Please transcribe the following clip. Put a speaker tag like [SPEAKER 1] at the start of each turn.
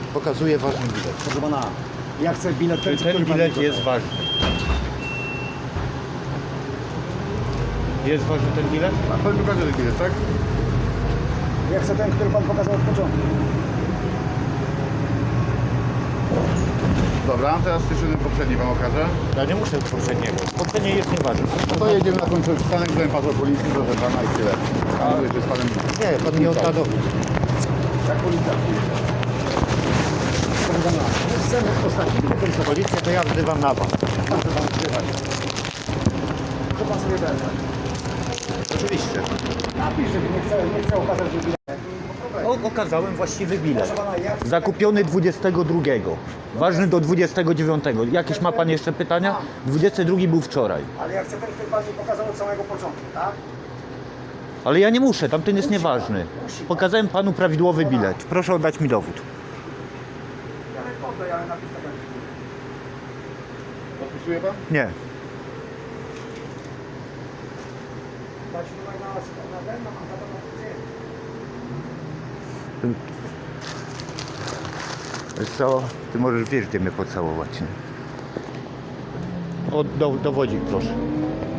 [SPEAKER 1] Pokazuję ważny bilet.
[SPEAKER 2] Proszę pana, ja chcę bilet
[SPEAKER 1] Czy ten
[SPEAKER 2] który pan
[SPEAKER 1] bilet
[SPEAKER 2] mi
[SPEAKER 1] jest
[SPEAKER 2] pokaże.
[SPEAKER 1] ważny? Jest ważny ten bilet?
[SPEAKER 3] A pan pokaże ten bilet, tak?
[SPEAKER 2] Ja chcę ten, który pan pokazał od początku.
[SPEAKER 3] Dobra, teraz jeszcze ten poprzedni wam okażę.
[SPEAKER 1] Ja nie muszę poprzedniego. Poprzednie jest nieważne.
[SPEAKER 3] No to jedziemy na końcu przystanek, byłem patrol policji, proszę pana i tyle. A jeszcze z panem...
[SPEAKER 1] Nie, pan nie odda dowód.
[SPEAKER 3] Jak policja przyjedzie?
[SPEAKER 2] Proszę pana, chcemy ostatni bilet.
[SPEAKER 1] Policję to ja wzywam na was.
[SPEAKER 2] Proszę pan wzywać. To pan sobie weźmie.
[SPEAKER 1] Oczywiście.
[SPEAKER 2] Napisz, że nie chcę okazać, że bilet.
[SPEAKER 1] Okazałem właściwy bilet.
[SPEAKER 2] Proszę pana, ja
[SPEAKER 1] Zakupiony 22. Ważny do 29. Jakieś ma pan jeszcze pytania? 22 był wczoraj.
[SPEAKER 2] Ale ja chcę ten, który pan mi pokazał od samego początku, tak?
[SPEAKER 1] Ale ja nie muszę, tamten jest nieważny. Pokazałem panu prawidłowy bilet. Proszę oddać mi dowód.
[SPEAKER 2] Ja nie poddaj, ale napisz tak jak
[SPEAKER 3] Podpisuje pan?
[SPEAKER 1] Nie.
[SPEAKER 2] dać numer na ten, na mandatę na policję.
[SPEAKER 1] Wiesz co? Ty możesz wiesz, gdzie mnie pocałować. Nie? O, dowodzik proszę.